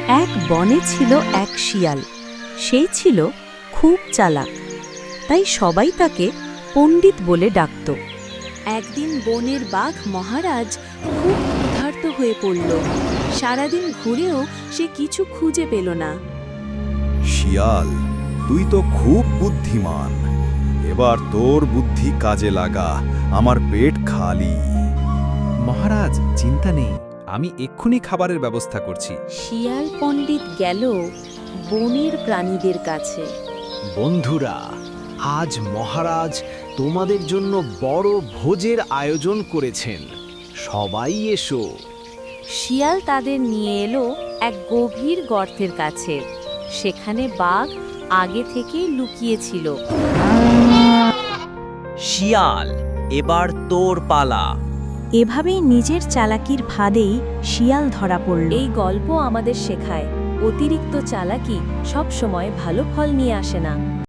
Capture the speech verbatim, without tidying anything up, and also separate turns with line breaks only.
এক বনে ছিল এক শিয়াল। সেই ছিল খুব চালাক, তাই সবাই তাকে পণ্ডিত বলে ডাকত। একদিন বনের বাঘ মহারাজ খুব ক্ষুধার্ত হয়ে পড়ল। সারাদিন ঘুরেও সে কিছু খুঁজে পেল না।
শিয়াল, তুই তো খুব বুদ্ধিমান। এবার তোর বুদ্ধি কাজে লাগা, আমার পেট খালি।
মহারাজ, চিন্তা নেই, আমি এক্ষুনি খাবারের ব্যবস্থা করছি।
শিয়াল পণ্ডিত গেল বনের প্রাণীদের কাছে।
বন্ধুরা, আজ মহারাজ তোমাদের জন্য বড় ভোজের আয়োজন করেছেন, সবাই এসো।
শিয়াল তাদের নিয়ে এলো এক গভীর গর্তের কাছে। সেখানে বাঘ আগে থেকেই লুকিয়েছিল।
শিয়াল, এবার তোর পালা।
এভাবেই নিজের চালাকির ফাঁদেই শিয়াল ধরা পড়ল। এই গল্প আমাদের শেখায়, অতিরিক্ত চালাকি সব সময় ভালো ফল নিয়ে আসে না।